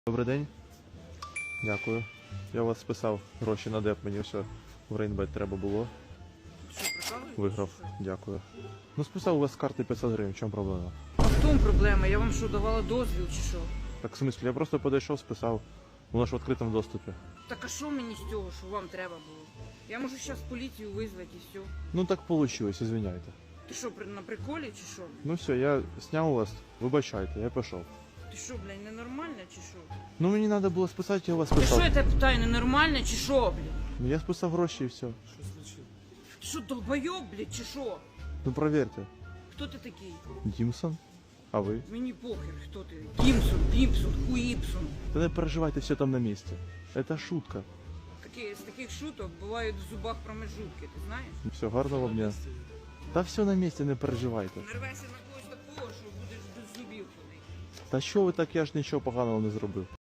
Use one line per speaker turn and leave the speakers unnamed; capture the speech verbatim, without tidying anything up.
Добрий день. Дякую. Я у вас списав гроші на деп, мені все в Рейнбет треба було.
Що, прикалуєтесь?
Виграв. Дякую. Ну списав у вас з карти п'ятсот гривень, в чому проблема?
А в тому проблема? Я вам що, давала дозвіл чи що?
Так в смислі, я просто підійшов, списав. Воно ж в відкритому доступі.
Так а що мені з цього, що вам треба було? Я можу зараз поліцію визвати і все.
Ну так вийшло, извиняйте.
Ти що, при- на приколі чи що?
Ну все, я зняв у вас, вибачайте, я пішов.
Ти що, блядь, ненормальна чи що?
Ну мені треба було списати, я у вас
Ти що,
списав.
я тебе питаю, ненормальна чи що, блядь?
Ну я списав гроші і все.
Ти що, долбойоб, блядь, чи що?
Ну провірте.
Хто ти такий?
Дімсон? А ви?
Мені похер, хто ти. Дімсон, Пімпсон, Хуїпсон.
Та не переживайте, все там на місці. Это шутка.
Такі, з таких шуток бувають в зубах промежутки, ти знаєш?
Все, гарного вам дня. Та все на місці, не переживайте.
Нарвайся на когось такого, що будеш до зубів ходити.
Та що ви так, я ж нічого поганого не зробив.